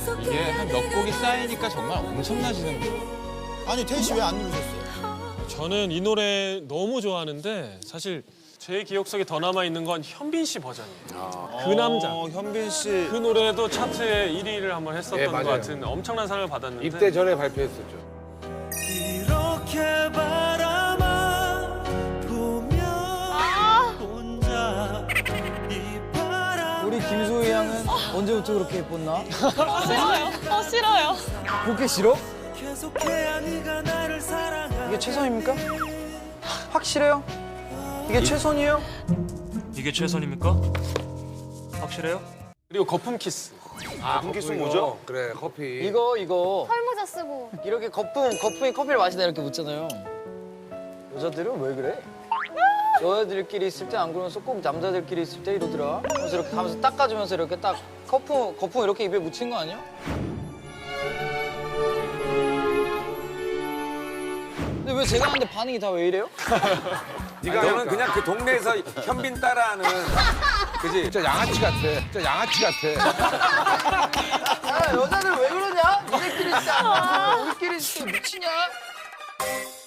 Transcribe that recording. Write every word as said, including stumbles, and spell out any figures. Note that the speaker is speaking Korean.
이게 한 몇 곡이 쌓이니까 정말 엄청나지는 거예요. 아니 태희 씨 왜 안 누르셨어요? 저는 이 노래 너무 좋아하는데 사실 제 기억 속에 더 남아 있는 건 현빈 씨 버전이에요. 그 남자. 어, 현빈 씨. 그 노래도 차트에 일 위를 한번 했었던 예, 것 맞아요. 같은 엄청난 사랑을 받았는데. 입대 전에 발표했었죠. 이렇게 바라만 보면 혼자 이 바람. 우리 김소희 양은 언제부터 그렇게 예뻤나? 싫어요. 어, 싫어요. 그렇게 싫어? 계속해야 네가 나를 사랑하. 이게 최선입니까? 확실해요? 이게 최선이에요? 이게 최선입니까? 확실해요? 그리고 거품 키스. 아, 커피 뭐죠? 그래, 커피. 이거 이거 털모자 쓰고. 이렇게 거품 거품이 커피를 마시다 이렇게 묻잖아요. 여자들은 왜 그래? 여자들끼리 있을 때 안 그러면서 꼭 남자들끼리 있을 때 이러더라. 그래서 이렇게 가면서 닦아주면서 이렇게 딱 거품 거품 이렇게 입에 묻힌 거 아니야? 근데 왜 제가 하는데 반응이 다 왜 이래요? 네가 너는 그냥 그 동네에서 현빈 따라하는 그지? 진짜 양아치 같아. 진짜 양아치 같아. 아 여자들 왜 그러냐? 니네끼리 진짜 우리끼리 진짜 미치냐?